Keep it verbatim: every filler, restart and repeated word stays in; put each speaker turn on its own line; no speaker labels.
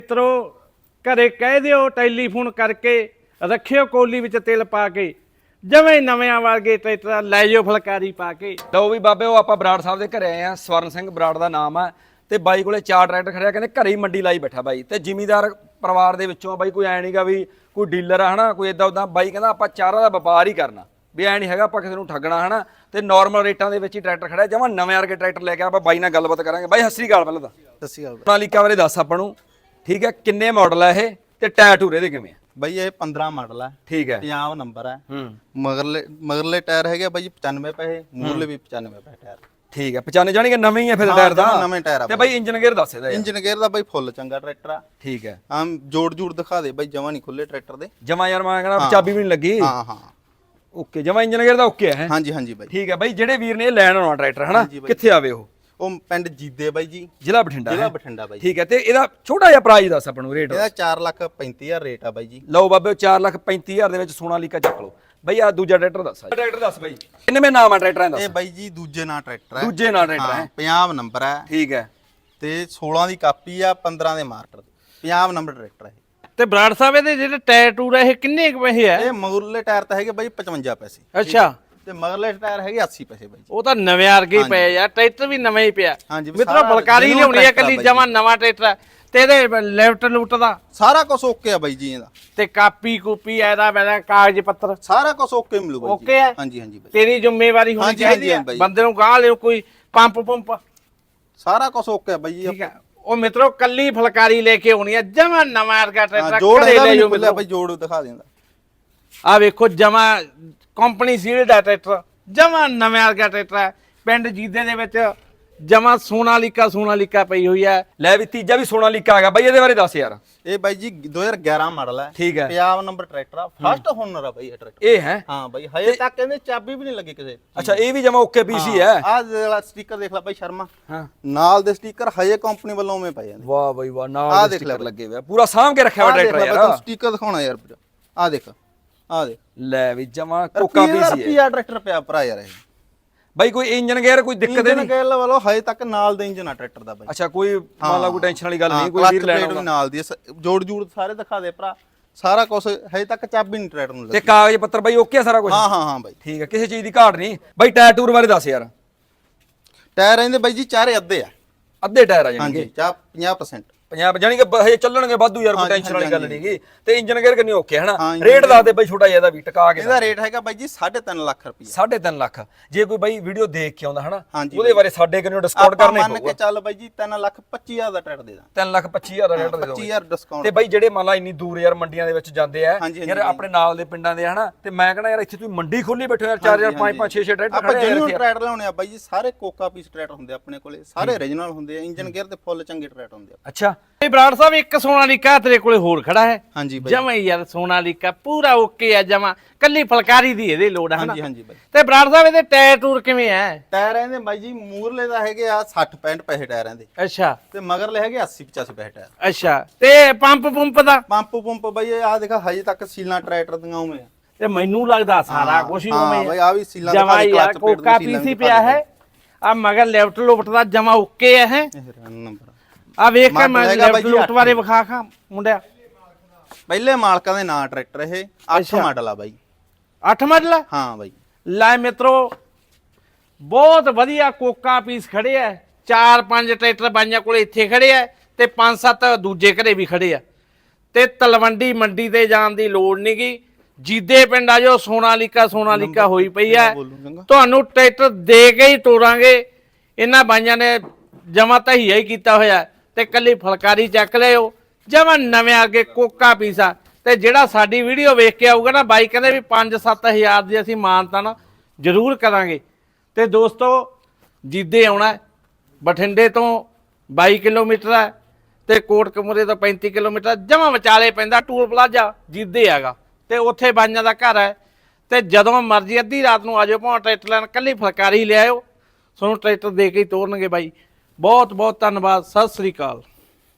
ਮਿੱਤਰੋ ਘਰੇ ਕਹਿ ਦਿਓ ਟੈਲੀਫੋਨ ਕਰਕੇ ਰੱਖਿਓ ਕੋਲੀ ਵਿੱਚ ਤਿਲ ਪਾ ਕੇ ਜਿਵੇਂ ਨਵਿਆਂ ਵਰਗੇ ਟਰੈਕਟਰ ਲੈ ਜਾਓ ਫਲਕਾਰੀ ਪਾ ਕੇ।
ਲਓ ਵੀ ਬਾਬੇ ਉਹ ਆਪਾਂ ਬਰਾੜ ਸਾਹਿਬ ਦੇ ਘਰੇ ਆਏ ਆ। ਸਵਰਨ ਸਿੰਘ ਬਰਾੜ ਦਾ ਨਾਮ ਆ ਤੇ ਬਾਈ ਕੋਲੇ ਚਾਰ ਟਰੈਕਟਰ ਖੜਿਆ, ਕਹਿੰਦੇ ਘਰੇ ਹੀ ਮੰਡੀ ਲਾਈ ਬੈਠਾ ਬਾਈ। ਤੇ ਜ਼ਿਮੀਦਾਰ ਪਰਿਵਾਰ ਦੇ ਵਿੱਚੋਂ ਬਾਈ, ਕੋਈ ਐ ਨਹੀਂਗਾ ਵੀ ਕੋਈ ਡੀਲਰ ਆ ਹਨਾ, ਕੋਈ ਇਦਾਂ ਉਦਾਂ। ਬਾਈ ਕਹਿੰਦਾ ਆਪਾਂ ਚਾਰਾਂ ਦਾ ਵਪਾਰ ਹੀ ਕਰਨਾ, ਵੀ ਐ ਨਹੀਂ ਹੈਗਾ ਆਪਾਂ ਕਿਸੇ ਨੂੰ ਠੱਗਣਾ ਹਨਾ। ਤੇ ਨਾਰਮਲ ਰੇਟਾਂ ਦੇ ਵਿੱਚ ਹੀ ਟਰੈਕਟਰ ਖੜਿਆ, ਜਮਾਂ ਨਵੇਂ ਵਰਗੇ ਟਰੈਕਟਰ ਲੈ ਕੇ ਆਪਾਂ ਬਾਈ ਨਾਲ ਗੱਲਬਾਤ ਕਰਾਂਗੇ। ਬਾਈ ਸਤਿ ਸ੍ਰੀ ਅਕਾਲ। ਪਹਿਲਾਂ ਤਾਂ
ਸਤਿ ਸ਼੍ਰੀ ਅਕਾਲ।
ਸੋਨਾਲੀਕਾ ਬਾਰੇ ਦੱਸ ਆਪਾਂ ਨੂੰ, ਠੀਕ ਹੈ? ਕਿੰਨੇ ਮਾਡਲ ਆ ਇਹ ਤੇ ਟਾਇਰ ਟੂਰੇ ਦੇ ਕਿਵੇਂ ਆ?
ਬਾਈ ਇਹ ਪੰਦਰਾਂ ਮਾਡਲ ਹੈ,
ਠੀਕ ਹੈ,
ਪੰਜਾਹ ਨੰਬਰ ਹੈ।
ਹੂੰ
ਮਗਰਲੇ ਮਗਰਲੇ ਟਾਇਰ ਹੈਗੇ ਬਾਈ ਪਚਾਨਵੇਂ ਪੈਸੇ, ਮੂਰਲੇ ਵੀ ਪਚਾਨਵੇਂ ਪੈਸੇ ਟਾਇਰ।
ਠੀਕ ਹੈ, ਪਛਾਣੇ ਜਾਣੀ ਕਿ ਨਵੇਂ ਹੀ ਆ ਫਿਰ ਟਾਇਰ ਦਾ?
ਨਵੇਂ ਟਾਇਰ ਆ।
ਤੇ ਬਾਈ ਇੰਜਨ ਗੇਅਰ ਦੱਸ ਇਹਦਾ।
ਇੰਜਨ ਗੇਅਰ ਦਾ ਬਾਈ ਫੁੱਲ ਚੰਗਾ ਟਰੈਕਟਰ ਆ।
ਠੀਕ ਹੈ,
ਆਮ ਜੋੜ ਜੂੜ ਦਿਖਾ ਦੇ ਬਾਈ, ਜਮਾ ਨਹੀਂ ਖੁੱਲੇ ਟਰੈਕਟਰ ਦੇ।
ਜਮਾ ਯਾਰ ਮੈਂ ਕਹਿੰਦਾ ਚਾਬੀ ਵੀ ਨਹੀਂ ਲੱਗੀ।
ਹਾਂ ਹਾਂ
ਓਕੇ, ਜਮਾ ਇੰਜਨ ਗੇਅਰ ਦਾ ਓਕੇ ਹੈ।
ਹਾਂਜੀ ਹਾਂਜੀ ਬਾਈ।
ਠੀਕ ਹੈ ਬਾਈ, ਜਿਹੜੇ ਵੀਰ ਨੇ ਇਹ ਲੈਣ ਆਉਣਾ ਟਰੈਕਟਰ ਹਨਾ, ਕਿੱਥੇ ਆਵੇ ਉਹ?
ਉਹ ਪਿੰਡ ਜੀਦੇ ਬਾਈ ਜੀ,
ਜ਼ਿਲ੍ਹਾ ਬਠਿੰਡਾ।
ਜ਼ਿਲ੍ਹਾ ਬਠਿੰਡਾ ਬਾਈ।
ਠੀਕ ਹੈ, ਤੇ ਇਹਦਾ ਛੋਟਾ ਜਿਹਾ ਪ੍ਰਾਈਸ ਦੱਸ ਆਪਾਂ ਨੂੰ, ਰੇਟ।
ਇਹਦਾ ਚਾਰ ਲੱਖ ਪੈਂਤੀ ਹਜ਼ਾਰ ਰੇਟ ਆ ਬਾਈ ਜੀ।
ਲਓ ਬਾਬੇ ਚਾਰ ਲੱਖ ਪੈਂਤੀ ਹਜ਼ਾਰ ਦੇ ਵਿੱਚ ਸੋਨਾਲੀਕਾ ਚੱਕ ਲਓ ਬਾਈ। ਆ ਦੂਜਾ ਟਰੈਕਟਰ ਦੱਸ। ਟਰੈਕਟਰ ਦੱਸ ਬਾਈ, ਕਿੰਨੇਵੇਂ ਨਾਮ ਆ ਟਰੈਕਟਰਾਂ ਦਾ?
ਇਹ ਬਾਈ ਜੀ ਦੂਜੇ ਨਾਂ ਟਰੈਕਟਰ ਹੈ।
ਦੂਜੇ ਨਾਂ ਟਰੈਕਟਰ ਹੈ,
ਪੰਜਾਹ ਨੰਬਰ ਹੈ।
ਠੀਕ ਹੈ,
ਤੇ ਸੋਲਾਂ ਦੀ ਕਾਪੀ ਆ, ਪੰਦਰਾਂ ਦੇ ਮਾਰਟਰ, ਪੰਜਾਹ ਨੰਬਰ ਟਰੈਕਟਰ ਹੈ।
ਤੇ ਬਰਾੜ ਸਾਹਿਬ ਇਹਦੇ ਜਿਹੜੇ ਟਾਇਰ ਟੂਰ ਇਹ ਕਿੰਨੇ ਕੁ ਪੈਸੇ ਆ?
ਇਹ ਮਗਰਲੇ ਟਾਇਰ ਤਾਂ ਹੈਗੇ ਬਾਈ ਪਚਵੰਜਾ ਪੈਸੇ।
ਅੱਛਾ,
ਤੇ ਮਗਰਲੇ ਟਾਇਰ ਹੈਗੇ ਅੱਸੀ ਪੈਸੇ ਬਾਈ ਜੀ।
ਉਹ ਤਾਂ ਨਵੇਂ ਵਰਗੇ ਹੀ ਪਏ ਯਾਰ, ਟਰੈਕਟਰ ਵੀ ਨਵਾਂ ਹੀ ਪਿਆ।
ਹਾਂਜੀ,
ਮਿੱਤਰੋ ਫਲਕਾਰੀ ਲਿਆਉਣੀ ਹੈ ਕੱਲੀ, ਜਮਾ ਨਵਾਂ ਟਰੈਕਟਰ ਹੈ। ਤੇ ਇਹਦੇ ਲੈਫਟ ਲੂਟ ਦਾ
ਸਾਰਾ ਕੁਝ ਓਕੇ ਆ ਬਾਈ ਜੀ ਇਹਦਾ।
ਤੇ ਕਾਪੀ ਕੂਪੀ ਇਹਦਾ ਪਹਿਲਾਂ ਕਾਗਜ਼ ਪੱਤਰ
ਸਾਰਾ ਕੁਝ ਓਕੇ ਮਿਲੂ ਬਾਈ ਜੀ।
ਓਕੇ ਹੈ?
ਹਾਂਜੀ ਹਾਂਜੀ ਬਾਈ।
ਤੇਰੀ ਜ਼ਿੰਮੇਵਾਰੀ ਹੋਣੀ
ਹਾਂਜੀ,
ਚਾਹੀਦੀ
ਹਾਂਜੀ
ਹੈ
ਬਾਈ।
ਬੰਦੇ ਨੂੰ ਗਾਹ ਲਿਓ, ਕੋਈ ਪੰਪ ਪੰਪ।
ਸਾਰਾ ਕੁਝ ਓਕੇ ਆ ਬਾਈ ਜੀ।
ਠੀਕ ਹੈ, ਉਹ ਮਿੱਤਰੋ ਕੱਲੀ ਫਲਕਾਰੀ ਲੈ ਕੇ ਆਉਣੀ ਹੈ, ਜਮਾ ਨਵਾਂ ਵਰਗਾ ਟਰੈਕਟਰ।
ਜੋੜ ਹੈਗਾ ਵੀ ਮਿਲਿਆ ਬਾਈ, ਜੋੜ ਦਿਖਾ ਦਿੰਦਾ।
ਆ ਵੇਖੋ ਜਮਾ ਕੰਪਨੀ ਸੀਲਡ ਦਾ ਟਰੈਕਟਰ, ਜਮਾ ਨਵੇਂ ਵਰਗਾ ਟਰੈਕਟਰ ਹੈ। ਪਿੰਡ ਜੀਦੇ ਦੇ ਵਿੱਚ ਜਮਾ ਸੋਨਾਲੀਕਾ ਸੋਨਾਲੀਕਾ ਪਈ ਹੋਈ ਹੈ।
ਲੈ ਵੀ ਤੀਜਾ ਵੀ ਸੋਨਾਲੀਕਾ ਆ ਗਿਆ ਬਾਈ, ਇਹਦੇ ਬਾਰੇ ਦੱਸ ਯਾਰ।
ਇਹ ਬਾਈ ਜੀ ਦੋ ਹਜ਼ਾਰ ਗਿਆਰਾਂ ਮਾਡਲ ਹੈ।
ਠੀਕ ਹੈ,
ਪੰਜਾਹ ਨੰਬਰ ਟਰੈਕਟਰ ਆ, ਫਸਟ ਹੋਨਰ ਆ ਬਾਈ ਇਹ ਟਰੈਕਟਰ।
ਇਹ ਹੈ?
ਹਾਂ ਬਾਈ, ਹਜੇ ਤੱਕ ਕਹਿੰਦੇ ਚਾਬੀ ਵੀ ਨਹੀਂ ਲੱਗੀ ਕਿਸੇ।
ਅੱਛਾ, ਇਹ ਵੀ ਜਮਾ ਓਕੇ ਪੀਸੀ ਹੈ।
ਆਹ ਜਿਹੜਾ ਸਟicker ਦੇਖ ਲੈ ਬਾਈ ਸ਼ਰਮਾ,
ਹਾਂ,
ਨਾਲ ਦੇ ਸਟicker ਹਜੇ ਕੰਪਨੀ ਵੱਲੋਂ ਉਵੇਂ ਪਏ ਜਾਂਦੇ।
ਵਾਹ ਬਾਈ ਵਾਹ, ਨਾਲ ਦੇ ਸਟicker ਲੱਗੇ ਹੋਏ ਆ, ਪੂਰਾ ਸਾਂਭ ਕੇ ਰੱਖਿਆ ਹੋਇਆ ਟਰੈਕਟਰ ਯਾਰ।
ਸਟicker ਦਿਖਾਉਣਾ ਯਾਰ, ਆਹ ਦੇਖ ਆਹ ਦੇਖ।
ਲੈ ਵੀ ਜਮਾ ਕੋਕਾ ਪੀਸੀ ਹੈ।
ਰੁਪਿਆ ਟਰੈਕਟਰ ਪਿਆ ਭਰਾ ਯਾਰ ਇਹ
ਬਾਈ। ਕੋਈ ਇੰਜਨ ਗੇਅਰ ਕੋਈ ਦਿੱਕਤ ਨਹੀਂ?
ਇੰਜਨ ਗੇਅਰ ਵੱਲੋਂ ਹਜੇ ਤੱਕ ਨਾਲ ਦੇ ਇੰਜਨ ਆ ਟਰੈਕਟਰ ਦਾ ਬਾਈ।
ਅੱਛਾ, ਕੋਈ ਮੰਨ ਲਾ ਕੋਈ ਟੈਨਸ਼ਨ ਵਾਲੀ ਗੱਲ ਨਹੀਂ, ਕੋਈ ਵੀਰ
ਲੈਣਾ
ਲੈਣਾ
ਨਾਲ ਦੀ ਜੋੜ ਜੂੜ ਸਾਰੇ ਦਿਖਾ ਦੇ ਭਰਾ। ਸਾਰਾ ਕੁਝ ਹਜੇ ਤੱਕ ਚਾਬੀ ਨਹੀਂ ਟਰੈਕਟਰ ਨੂੰ ਲੱਗੀ।
ਤੇ ਕਾਗਜ਼ ਪੱਤਰ ਬਾਈ ਓਕੇ ਆ ਸਾਰਾ ਕੁਝ?
ਹਾਂ ਹਾਂ ਹਾਂ ਬਾਈ, ਠੀਕ
ਹੈ, ਕਿਸੇ ਚੀਜ਼ ਦੀ ਘਾਟ ਨਹੀਂ ਬਾਈ। ਟਾਇਰ ਟੂਰ ਬਾਰੇ ਦੱਸ ਯਾਰ।
ਟਾਇਰ ਇਹਦੇ ਬਾਈ ਜੀ ਚਾਰੇ ਅੱਧੇ ਆ।
ਅੱਧੇ ਟਾਇਰ ਆ ਜਾਣਗੇ?
ਹਾਂਜੀ, ਚਾਹ ਪੰਜਾਹ ਪਰਸੈਂਟ
ਪੰਜਾਬ ਜਾਨੀ ਕਿ ਹਜੇ ਚੱਲਣਗੇ ਵਾਧੂ ਯਾਰ, ਕੋਈ ਟੈਨਸ਼ਨ ਵਾਲੀ ਗੱਲ ਨਹੀਂਗੀ। ਤੇ ਇੰਜਨ ਗੇਅਰ ਕਿੰਨੀ ਓਕੇ ਹਨਾ?
ਹਾਂ,
ਰੇਟ ਦੱਸ ਦੇ ਬਾਈ ਛੋਟਾ ਜਿਹਾ ਇਹਦਾ ਵੀ ਟਿਕਾ ਕੇ।
ਇਹਦਾ ਰੇਟ ਹੈਗਾ ਬਾਈ ਜੀ ਸਾਢੇ ਤਿੰਨ ਲੱਖ ਰੁਪਏ।
ਸਾਢੇ ਤਿੰਨ ਲੱਖ। ਜੇ ਕੋਈ ਬਾਈ ਵੀਡੀਓ ਦੇਖ ਕੇ ਆਉਂਦਾ ਹਨਾ,
ਹਾਂਜੀ
ਉਹਦੇ ਬਾਰੇ ਸਾਡੇ ਕਿੰਨੇ ਡਿਸਕਾਊਂਟ ਕਰਨੇ
ਮੰਨ ਕੇ ਚੱਲ ਬਾਈ ਜੀ ਤਿੰਨ ਲੱਖ ਪੱਚੀ ਹਜ਼ਾਰ ਦਾ ਟਰੈਕਟਰ ਦੇ ਦਾਂ।
ਤਿੰਨ ਲੱਖ ਪੱਚੀ ਹਜ਼ਾਰ ਦਾ ਰੇਟ ਦੇ
ਪੱਚੀ ਹਜ਼ਾਰ ਡਿਸਕਾਊਂਟ।
ਤੇ ਬਾਈ ਜਿਹੜੇ ਮੰਨ ਲਾ ਇੰਨੀ ਦੂਰ ਯਾਰ ਮੰਡੀਆਂ ਦੇ ਵਿੱਚ ਜਾਂਦੇ ਆ
ਹਾਂਜੀ,
ਯਾਰ, ਆਪਣੇ ਨਾਲ ਦੇ ਪਿੰਡਾਂ ਦੇ ਹਨਾ, ਤੇ ਮੈਂ ਕਹਿੰਦਾ ਯਾਰ ਇੱਥੇ ਤੁਸੀਂ ਮੰਡੀ ਖੋਲੀ ਬੈਠੇ ਯਾਰ, ਚਾਰ ਹਜ਼ਾਰ ਪੰਜ ਪੰਜ ਛੇ ਛੇ ਟਰੈਕਟਰ
ਆਪਾਂ
ਖੜੇ
ਜਿਹਨੂੰ
ਆ।
ਟਰੈਕਟਰ ਲਾਉਣੇ ਆ ਬਾਈ ਜੀ, ਸਾਰੇ ਕੋਕਾ ਪੀਸ ਟਰੈਕਟਰ ਹੁੰਦੇ ਆਪਣੇ ਕੋਲੇ, ਸਾਰੇ ਓਰੀਜਨਲ ਹੁੰਦੇ ਆ। ਇੰਜਨ ਗੇਅਰ ਤੇ ਫੁੱਲ ਚੰਗੇ ਟਰੈਕਟਰ ਹੁੰਦੇ ਆ।
ਅੱਛਾ,
ਇਹ ਬਰਾੜ ਸਾਹਿਬ ਇੱਕ ਸੋਨਾਲੀਕਾ ਤੇਰੇ ਕੋਲੇ ਹੋਰ ਖੜਾ ਹੈ।
ਹਾਂਜੀ ਬਾਈ,
ਜਮਾ ਹੀ ਯਾਰ ਸੋਨਾਲੀਕਾ ਪੂਰਾ ਓਕੇ ਆ, ਜਮਾ ਕੱਲੀ ਫਲਕਾਰੀ ਦੀ ਇਹਦੇ ਲੋੜ ਹੈ ਹਨਾ।
ਹਾਂਜੀ ਹਾਂਜੀ ਬਾਈ।
ਤੇ ਬਰਾੜ ਸਾਹਿਬ ਇਹਦੇ ਟਾਇਰ ਟੂਰ ਕਿਵੇਂ ਹੈ?
ਟਾਇਰ ਇਹਦੇ ਬਾਈ ਜੀ ਮੂਰਲੇ ਦਾ ਹੈਗੇ ਆ ਸੱਠ ਪੈਂਹਠ ਪੈਸੇ ਟਾਇਰਾਂ ਦੇ,
ਅੱਛਾ
ਤੇ ਮਗਰਲੇ ਹੈਗੇ ਅੱਸੀ ਪਚਾਸੀ ਪੈਸੇ ਟਾਇਰ।
ਅੱਛਾ, ਤੇ ਪੰਪ ਪੰਪ ਦਾ?
ਪੰਪ ਪੰਪ ਬਾਈ ਆਹ ਦੇਖਾ ਹਜੇ ਤੱਕ ਸੀਲਾਂ ਟਰੈਕਟਰ ਦੀਆਂ ਉਵੇਂ ਆ।
ਤੇ ਮੈਨੂੰ ਲੱਗਦਾ ਸਾਰਾ ਕੁਝ ਹੀ ਉਵੇਂ
ਹਾਂ ਬਾਈ, ਆ ਵੀ ਸੀਲਾਂ
ਜਮਾ
ਦਿਖਾ ਦੇ,
ਯਾਰ
ਕਲਚ ਪੇਟ
ਕੋਕਾ
ਦੀ ਸੀਲਾਂ
ਪੀਸੀ
ਦਿਖਾ
ਪਿਆ
ਦੇ।
ਹੈ। ਆ ਮਗਰ ਲੈਫਟ ਲੁਫਟ ਦਾ ਜਮਾ ਓਕੇ ਹੈ।
ਇਹ ਨੰਬਰ
ਆ ਵੇਖ ਕੇ ਮੈਂ
ਹੈਗਾ ਬਾਈ
ਲੈਫਟ
ਜੀ
ਲੁਫਟ
ਅੱਠ।
ਬਾਰੇ ਵਿਖਾ ਖਾ ਮੁੰਡਿਆ।
ਪਹਿਲੇ ਮਾਲਕਾਂ ਦੇ ਨਾਂ ਟਰੈਕਟਰ ਇਹ ਅੱਠ
ਅੱਛਾ।
ਮਾਡਲ ਆ ਬਾਈ।
ਅੱਠ ਮਾਡਲ ਆ?
ਹਾਂ ਬਾਈ।
ਲੈ ਮਿੱਤਰੋ ਬਹੁਤ ਵਧੀਆ ਕੋਕਾ ਪੀਸ ਖੜੇ ਆ। ਚਾਰ ਪੰਜ ਟਰੈਕਟਰ ਬਾਈਆਂ ਕੋਲੇ ਇੱਥੇ ਖੜੇ ਆ, ਤੇ ਪੰਜ ਸੱਤ ਦੂਜੇ ਘਰੇ ਵੀ ਖੜੇ ਆ। ਤੇ ਤਲਵੰਡੀ ਮੰਡੀ ਤੇ ਜਾਣ ਦੀ ਲੋੜ ਨਹੀਂਗੀ, ਜੀਦੇ ਪਿੰਡ ਆ ਜੋ ਸੋਨਾਲੀਕਾ ਸੋਨਾਲੀਕਾ ਹੋਈ ਪਈ ਆ। ਤੁਹਾਨੂੰ ਟਰੈਕਟਰ ਦੇ ਕੇ ਹੀ ਤੋਰਾਂਗੇ। ਇਹਨਾਂ ਬਾਈਆਂ ਨੇ ਜਮਾ ਤਹੀਆ ਹੀ ਕੀਤਾ ਹੋਇਆ, ਤੇ ਕੱਲੀ ਫਲਕਾਰੀ ਚੱਕ ਲਿਓ, ਜਮਾ ਨਵੇਂ ਅੱਗੇ ਕੋਕਾ ਪੀਸਾ। ਤੇ ਜਿਹੜਾ ਸਾਡੀ ਵੀਡੀਓ ਵੇਖ ਕੇ ਆਊਗਾ ਨਾ, ਬਾਈ ਕਹਿੰਦੇ ਵੀ ਪੰਜ ਸੱਤ ਹਜ਼ਾਰ ਦੀ ਅਸੀਂ ਮਾਨਤਾ ਨਾ ਜ਼ਰੂਰ ਕਰਾਂਗੇ। ਤੇ ਦੋਸਤੋ ਜੀਦੇ ਆਉਣਾ, ਬਠਿੰਡੇ ਤੋਂ ਬਾਈ ਕਿਲੋਮੀਟਰ ਹੈ, ਤੇ ਕੋਟਕਪੂਰੇ ਤੋਂ ਪੈਂਤੀ ਕਿਲੋਮੀਟਰ, ਜਮਾ ਵਿਚਾਲੇ ਪੈਂਦਾ। ਟੂਲ ਪਲਾਜ਼ਾ ਜੀਦੇ ਹੈਗਾ, ਤੇ ਉੱਥੇ ਬਾਈਆਂ ਦਾ ਘਰ ਹੈ। ਤੇ ਜਦੋਂ ਮਰਜ਼ੀ ਅੱਧੀ ਰਾਤ ਨੂੰ ਆ ਜਾਓ, ਭਾਵੇਂ ਟਰੈਕਟਰ ਲੈਣ, ਕੱਲੀ ਫਲਕਾਰੀ ਲਿਆਇਓ, ਤੁਹਾਨੂੰ ਟਰੈਕਟਰ ਦੇ ਕੇ ਹੀ ਤੋਰਨਗੇ ਬਾਈ। ਬਹੁਤ ਬਹੁਤ ਧੰਨਵਾਦ, ਸਤਿ ਸ੍ਰੀ ਅਕਾਲ।